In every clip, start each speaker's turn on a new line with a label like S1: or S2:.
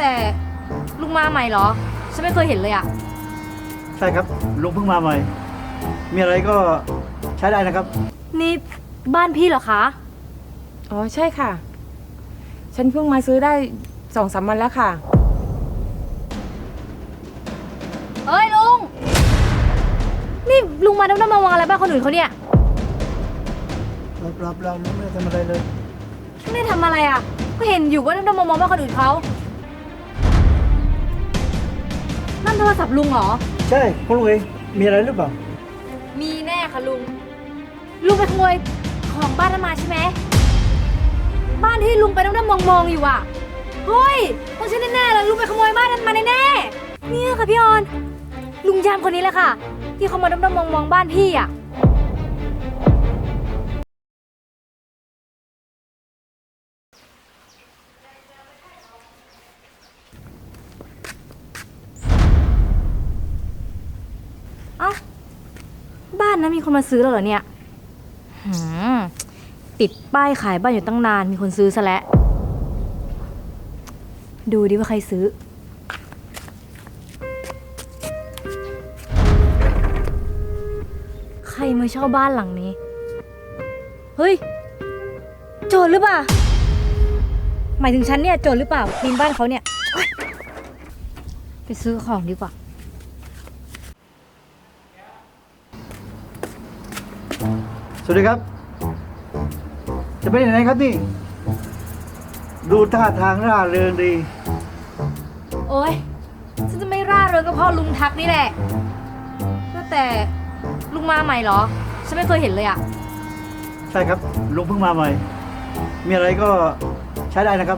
S1: แต่ลุงมาใหม่เหรอฉันไม่เคยเห็นเลยอะ
S2: ใช่ครับลุงเพิ่งมาใหม่ มีอะไรก็ใช้ได้นะครับ
S1: นี่บ้านพี่เหรอคะ
S3: อ๋อใช่ค่ะ ฉันเพิ่งมาซื้อได้2-3 วันแล้วค่ะ
S1: เอ้ยลุงนี่ลุงมาด้อมๆมองๆอะไรบ้านคนอื่นเขาเนี่ย
S2: รับเราลุงไม่ได้ทำอะไรเลย
S1: ไม่ได้ทำอะไรอะก็เห็นอยู่ว่าด้อมๆมองๆบ้านคนอื่นเขานั่นโทรศัพท์ลุงเหรอ
S2: ใช่คุณลุงเองมีอะไรหรือเปล่า
S1: มีแน่ค่ะลุงไปขโมยของบ้านนั้นมาใช่ไหมบ้านที่ลุงไปด้อมๆมองๆอยู่อะเฮ้ยต้องใช่แน่ๆเลยลุงไปขโมยบ้านนั้นมาแน่ๆเนี่ยค่ะพี่ออนลุงยามคนนี้แหละค่ะที่เขามาด้อมๆมองๆบ้านพี่อะเอ้าบ้านนั้นมีคนมาซื้อแล้วเหรอเนี่ยหืมติดป้ายขายบ้านอยู่ตั้งนานมีคนซื้อซะแล้วดูดิว่าใครซื้อใครมาเช่าบ้านหลังนี้เฮ้ยโจรหรือเปล่าหมายถึงฉันเนี่ยโจรหรือเปล่าปีนบ้านเขาเนี่ยไปซื้อของดีกว่า
S2: สวัสดีครับ จะไปไหนครับนี่ ดูท่าทางร่าเริงดี
S1: โอ๊ยฉันจะไม่ร่าเริงก็เพราะลุงทักนี่แหละก็แต่ลุงมาใหม่เหรอฉันไม่เคยเห็นเลยอะ
S2: ใช่ครับลุงเพิ่งมาใหม่ มีอะไรก็ใช้ได้นะครับ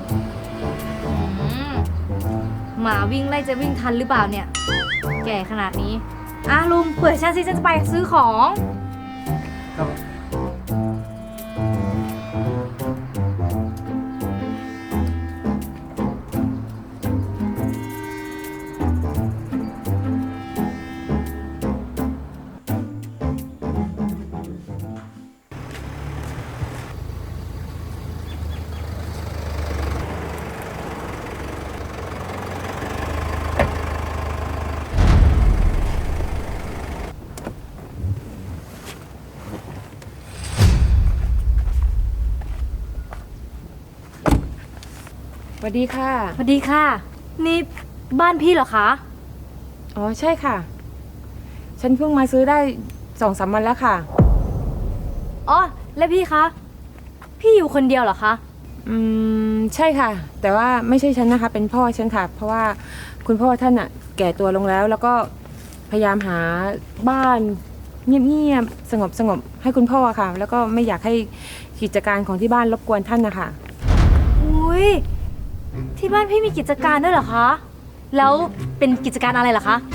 S1: หมาวิ่งไล่จะวิ่งทันหรือเปล่าเนี่ยแก่ขนาดนี้ลุงเปิดฉันสิฉันจะไปซื้อของ
S2: ครับ
S3: สวัสดีค่ะ
S1: สวัสดีค่ะนี่บ้านพี่เหรอคะ
S3: อ๋อใช่ค่ะ ฉันเพิ่งมาซื้อได้2-3 วันแล้วค่ะ
S1: อ๋อแล้วพี่คะพี่อยู่คนเดียวเหรอคะ
S3: ใช่ค่ะ แต่ว่าไม่ใช่ฉันนะคะเป็นพ่อฉันค่ะ เพราะว่าคุณพ่อท่านอะแก่ตัวลงแล้ว แล้วก็พยายามหาบ้านเงียบๆสงบให้คุณพ่อค่ะ แล้วก็ไม่อยากให้กิจการของที่บ้านรบกวนท่านนะคะ
S1: อุ้ยที่บ้านพี่มีกิจการด้วยเหรอคะแล้วเป็นกิจการอะไรเหรอคะ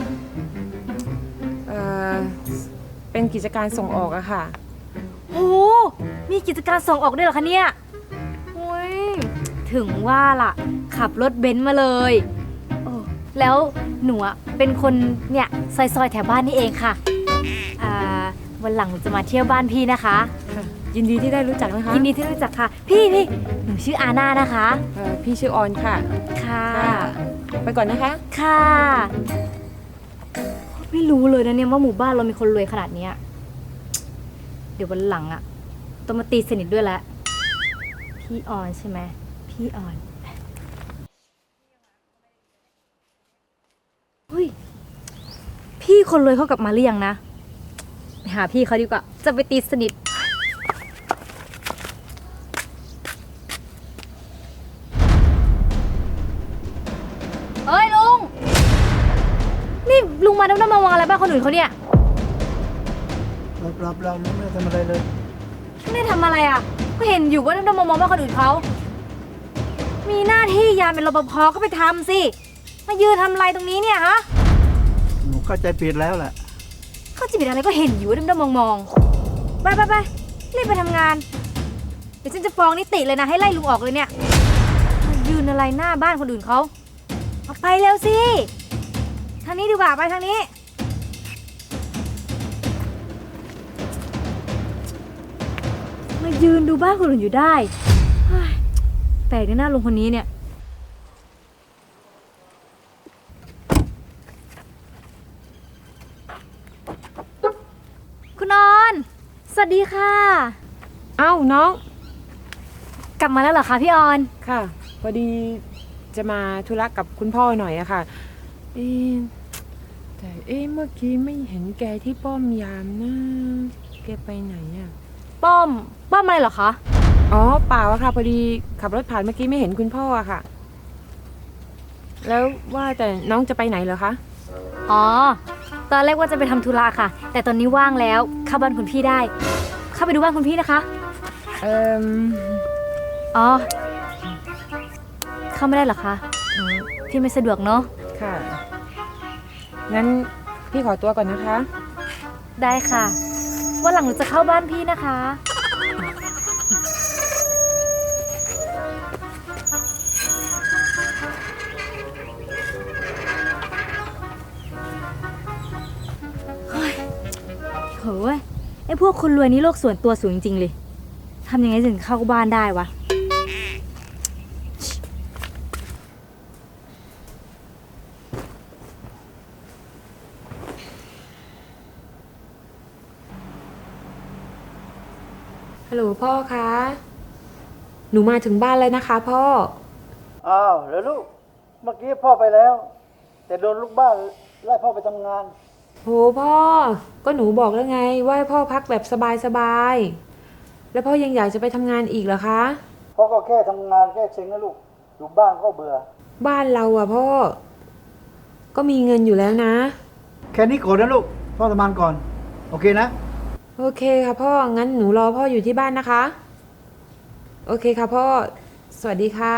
S3: เป็นกิจการส่งออกอะค่ะ
S1: โหมีกิจการส่งออกด้วยเหรอคะเนี่ยอุ้ยถึงว่าล่ะขับรถเบนซ์มาเลยโอ้แล้วหนูเป็นคนเนี่ยซอยๆแถวบ้านนี่เองค่ะวันหลังหนูจะมาเที่ยวบ้านพี่นะคะ
S3: ยินดีที่ได้รู้จักนะคะ
S1: ยินดีที่รู้จักค่ะพี่หนูชื่ออาน่านะคะ
S3: พี่ชื่อออนค่ะ
S1: ค่ะ
S3: ไปก่อนนะคะ
S1: ค่ะไม่รู้เลยนะเนี่ยว่าหมู่บ้านเรามีคนรวยขนาดนี้เดี๋ยววันหลังต้องมาตีสนิทด้วยแล้วพี่ออนใช่ไหมพี่ออนเฮ้ยพี่คนรวยเขากลับมาหรือยังนะไปหาพี่เขาดีกว่าจะไปตีสนิทเอ้ยลุงนี่ลุงมาด้อมๆมองๆอะไรบ้านคนอื่นเขาเนี่ย
S2: รับเราลุงไม่ได้ทำอะไรเลย
S1: ไม่ได้ทำอะไรก็เห็นอยู่ว่าด้อมๆมองๆบ้านคนอื่นเขามีหน้าที่ยามเป็นรปภก็ไปทำสิมายืนทำอะไรตรงนี้เนี่ยฮะ
S2: หนูเข้าใจผิดแล้วแหละ
S1: เขาจะผิดอะไรก็เห็นอยู่ว่าด้อมๆมองๆไปรีบไปทำงานเดี๋ยวฉันจะฟ้องนิติเลยนะให้ไล่ลุงออกเลยเนี่ยมายืนอะไรหน้าบ้านคนอื่นเขาเอาไปเร็วสิทางนี้ดีกว่าไปทางนี้มายืนดูบ้านคนอื่นอยู่ได้แปลกนะหน้าลุงคนนี้เนี่ยสวัสดีค่ะ
S3: เอ้าน้อง
S1: กลับมาแล้วเหรอคะพี่ออน
S3: ค่ะ พอดีจะมาธุระกับคุณพ่อหน่อยอะค่ะเอ๊ะแต่เมื่อกี้ไม่เห็นแกที่ป้อมยามนะแกไปไหนอะ
S1: ป้อมอะไรเหรอคะ
S3: อ๋อเปล่าอะค่ะ พอดีขับรถผ่านเมื่อกี้ไม่เห็นคุณพ่ออะค่ะ แล้วว่าแต่น้องจะไปไหนเหรอคะ
S1: อ๋อ ตอนแรกว่าจะไปทำธุระค่ะ แต่ตอนนี้ว่างแล้วเข้าบ้านคุณพี่ได้ เข้าไปดูบ้านคุณพี่นะคะ
S3: เอ่ม
S1: อ๋อ เข้าไม่ได้เหรอคะ พี่ไม่สะดวกเนาะ
S3: ค่ะ งั้นพี่ขอตัวก่อนนะคะ
S1: ได้ค่ะวันหลังหนูจะเข้าบ้านพี่นะคะ เฮ้ยโหยไอ้พวกคนรวยนี่โลกส่วนตัวสูงจริงๆเลย ทำยังไงถึงเข้าบ้านได้วะ
S3: ฮัลโหลพ่อคะ หนูมาถึงบ้านแล้วนะคะพ่อ
S2: อ้าวแล้วลูก เมื่อกี้พ่อไปแล้ว แต่โดนลูกบ้านไล่พ่อไปทำงาน
S3: โหพ่อ ก็หนูบอกแล้วไงว่าให้พ่อพักแบบสบายๆ แล้วพ่อยังอยากจะไปทำงานอีกเหรอคะ
S2: พ่อก็แค่ทำงานแค่เซ็งนะลูก อยู่บ้านก็เบื่อ
S3: บ้านเราอะพ่อ ก็มีเงินอยู่แล้วนะ
S2: แค่นี้ก่อนนะลูก พ่อทำงานก่อน โอเคนะ
S3: โอเคค่ะพ่อ งั้นหนูรอพ่ออยู่ที่บ้านนะคะ โอเคค่ะพ่อ สวัสดีค่ะ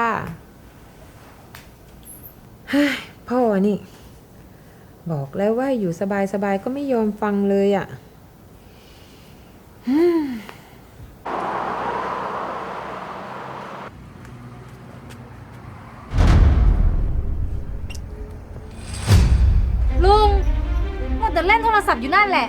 S3: เฮ้ยพ่อนี่ บอกแล้วว่าอยู่สบายๆก็ไม่ยอมฟังเลยอะ่ะ
S1: ลุงมัวแต่เล่นโทรศัพท์อยู่นั่นแหละ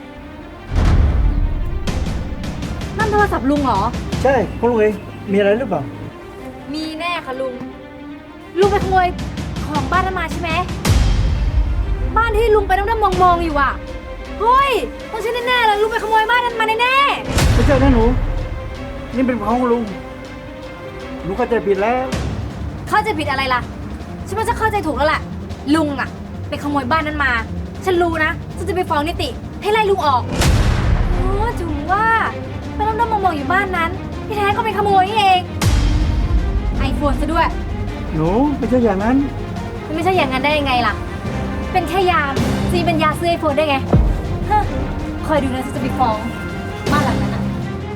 S1: นั่นโทรศัพท์ลุงเหรอ
S2: ใช่คุณลุงเองมีอะไรหรือเปล่า
S1: มีแน่ค่ะลุง ลุงไปขโมยของบ้านนั้นมาใช่ไหม บ้านที่ลุงไปนั่งมองๆอยู่อ่ะ เฮ้ยต้องใช่แน่ๆเลยลุงไปขโมยบ้านนั้นมาแน่
S2: ไม่ใช่นะหนู นี่เป็นของลุง หนูเข้าใจผิดแล้ว
S1: ๆเข้าใจผิดอะไรล่ะ ฉันว่าจะเข้าใจถูกแล้วแหละลุงอ่ะไปขโมยบ้านนั้นมา ฉันรู้นะฉันจะไปฟ้องนิติให้ไล่ลุงออกโอ้ถึงว่าไปนั่งมองๆอยู่บ้านนั้นที่แท้ก็ไปขโมยนี่เองไอโฟนซะด้วย
S2: หนูไม่ใช่อย่างนั้น
S1: มันไม่ใช่อย่างนั้นได้ยังไงล่ะ เป็นแค่ยามจีเป็นยาซื้อไอโฟนได้ไงฮะคอยดูนะฉันจะไปฟ้องบ้านหลังนั้นอ่ะ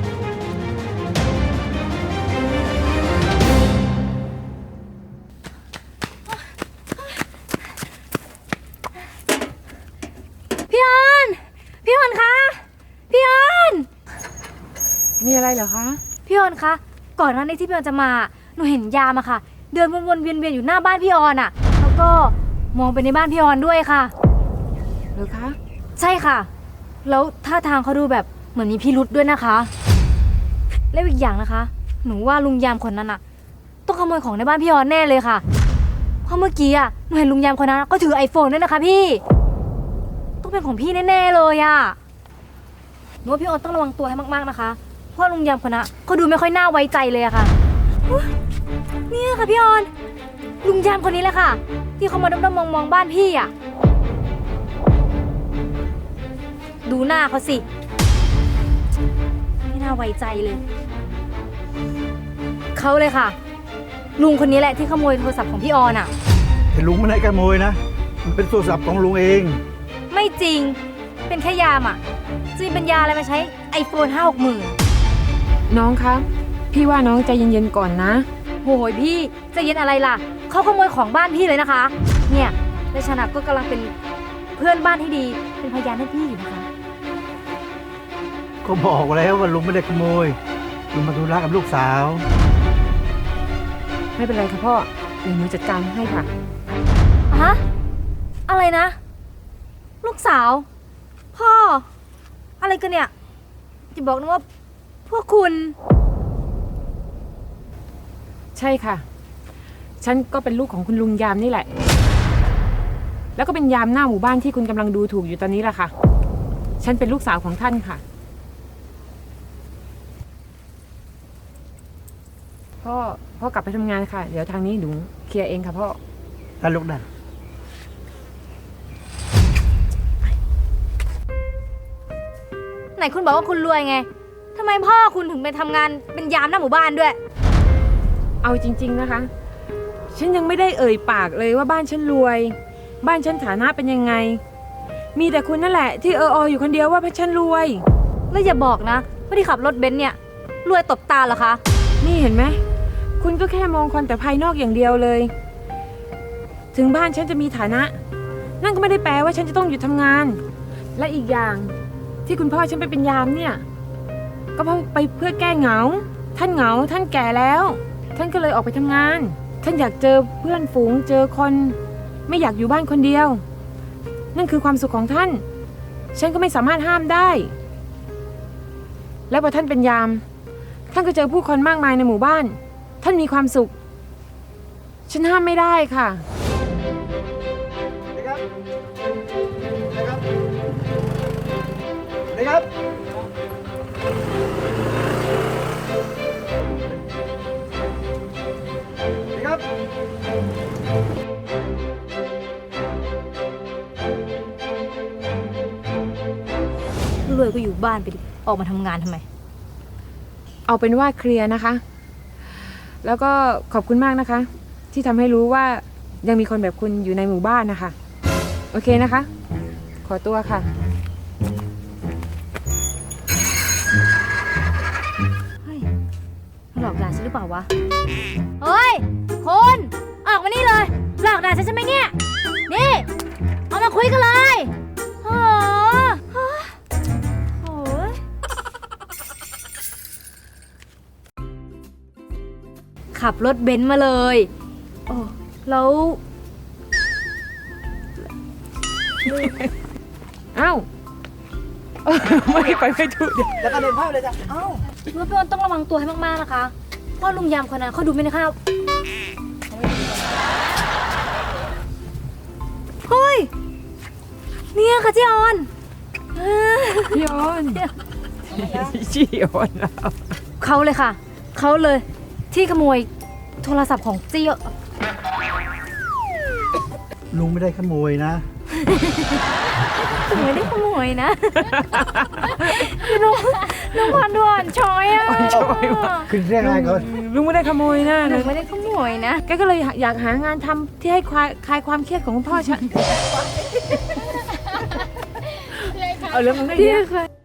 S1: พี่ออนพี่ออนคะพี่ออน
S3: มีอะไรเหรอคะ
S1: พี่ออนคะก่อนหน้านี้ที่พี่ออนจะมาหนูเห็นยามอะค่ะ เดินวนๆเวียนๆอยู่หน้าบ้านพี่ออนอะแล้วก็มองไปในบ้านพี่ออนด้วยค่ะ
S3: เหรอคะ
S1: ใช่ค่ะ แล้วท่าทางเขาดูแบบเหมือนมีพิรุษด้วยนะคะ แล้วอีกอย่างนะคะ หนูว่าลุงยามคนนั้นอะต้องขโมยของในบ้านพี่ออนแน่เลยค่ะ เพราะเมื่อกี้อะหนูเห็นลุงยามคนนั้นก็ถือไอโฟนด้วยนะคะพี่ ต้องเป็นของพี่แน่ๆเลยอะหนูว่าพี่ออนต้องระวังตัวให้มากๆนะคะ เพราะลุงยามคนนั้นเขาดูไม่ค่อยน่าไว้ใจเลยอะค่ะอุ๊ยเนี่ยค่ะพี่ออน ลุงยามคนนี้แหละค่ะ ที่เขามาด้อมๆมองๆบ้านพี่อะดูหน้าเขาสิ ไม่น่าไว้ใจเลย เขาเลยค่ะ ลุงคนนี้แหละที่ขโมยโทรศัพท์ของพี่ออนอะ
S2: แต่ลุงไม่ได้ขโมยนะ มันเป็นโทรศัพท์ของลุงเอง
S1: ไม่จริง เป็นแค่ยามอะจะมีปัญญาอะไรมาใช้ไอโฟน5-6 หมื่น
S3: น้องคะ พี่ว่าน้องใจเย็นๆก่อนนะ
S1: โหยพี่ใจะเย็นอะไรล่ะ เขาขโมยของบ้านพี่เลยนะคะ เนี่ยและฉันก็กำลังเป็นเพื่อนบ้านที่ดี เป็นพยานให้พี่อยู่นะคะ
S2: ก็บอกแล้วว่าลุงไม่ได้ขโมย ลุงมาธุระกับลูกสาว
S3: ไม่เป็นไรค่ะพ่อ เดี๋ยวหนูจัดการให้ค่ะ
S1: ฮะ อะไรนะ ลูกสาว พ่อ อะไรกันเนี่ยจะบอกนะว่าพวกคุณ
S3: ใช่ค่ะ ฉันก็เป็นลูกของคุณลุงยามนี่แหละ แล้วก็เป็นยามหน้าหมู่บ้านที่คุณกำลังดูถูกอยู่ตอนนี้แหละค่ะ ฉันเป็นลูกสาวของท่านค่ะพ่อกลับไปทำงานค่ะ เดี๋ยวทางนี้หนูเคลียร์เองค่ะพ่อ
S2: ท่านลุกได้
S1: ไหนคุณบอกว่าคุณรวยไงทำไมพ่อคุณถึงไปทำงานเป็นยามหน้าหมู่บ้านด้วย
S3: เอาจริง ๆนะคะ ฉันยังไม่ได้เอ่ยปากเลยว่าบ้านฉันรวย บ้านฉันฐานะเป็นยังไง มีแต่คุณนั่นแหละที่อยู่คนเดียวว่าพฉันรวย
S1: แล้วอย่าบอกนะว่าที่ขับรถเบนซ์เนี่ยรวยตบตาเหรอคะ
S3: นี่เห็นไหม คุณก็แค่มองคนแต่ภายนอกอย่างเดียวเลย ถึงบ้านฉันจะมีฐานะ นั่นก็ไม่ได้แปลว่าฉันจะต้องหยุดทำงาน และอีกอย่างที่คุณพ่อฉันไปเป็นยามเนี่ย ก็เพราะไปเพื่อแก้เหงา ท่านเหงา ท่านแก่แล้ว ท่านก็เลยออกไปทำงาน ท่านอยากเจอเพื่อนฝูง เจอคน ไม่อยากอยู่บ้านคนเดียว นั่นคือความสุขของท่าน ฉันก็ไม่สามารถห้ามได้ และพอท่านเป็นยาม ท่านก็เจอผู้คนมากมายในหมู่บ้าน ท่านมีความสุข ฉันห้ามไม่ได้ค่ะ
S2: นะครับนะครับนะครับนะครับ
S1: รวยก็อยู่บ้านไปดิออกมาทำงานทำไม
S3: เอาเป็นว่าเคลียร์นะคะ แล้วก็ขอบคุณมากนะคะ ที่ทำให้รู้ว่ายังมีคนแบบคุณอยู่ในหมู่บ้านนะคะ โอเคนะคะ ขอตัวค่ะ
S1: เฮ้ยหลอกด่าฉันหรือเปล่าวะ เฮ้ยคุณออกมานี่เลย หลอกด่าฉันใช่ไหมเนี่ย นี่ เอามาคุยกันเลยโอ้โหโอ้ยขับรถเบนซ์มาเลย โอ้แล้ว
S3: เอ้า ไม่ไปไม่ถูกเดี๋ยว
S2: แล้วก็เดินเข้าเลยจ้ะเอ้าร
S1: ถพี่อ้นต้องระวังตัวให้มากๆนะคะเพราะลุงยามคนนั้นเขาดูไม่ได้ครับเฮ้ยเนี่ยค่ะจีออน
S3: พี่ออนพี่ออนแล้ว
S1: เขาเลยค่ะ เขาเลยที่ขโมยโทรศัพท์ของจี
S2: ลุงไม่ได้ขโมยนะ
S1: ไม่ได้ขโมยนะ น้องพันด่วนช้อยอ่ะ
S2: ขึ้นเรียกอะไรก่อน
S3: ลุงไม่ได้ขโมยนะ
S1: หนูไม่ได้ขโมยนะ
S3: แกก็เลยอยากหางานทำที่ให้คลายความเครียดของคุณพ่อฉัน เอาเรื่องมึงได้
S1: ที่
S3: เนี่ย
S1: เคย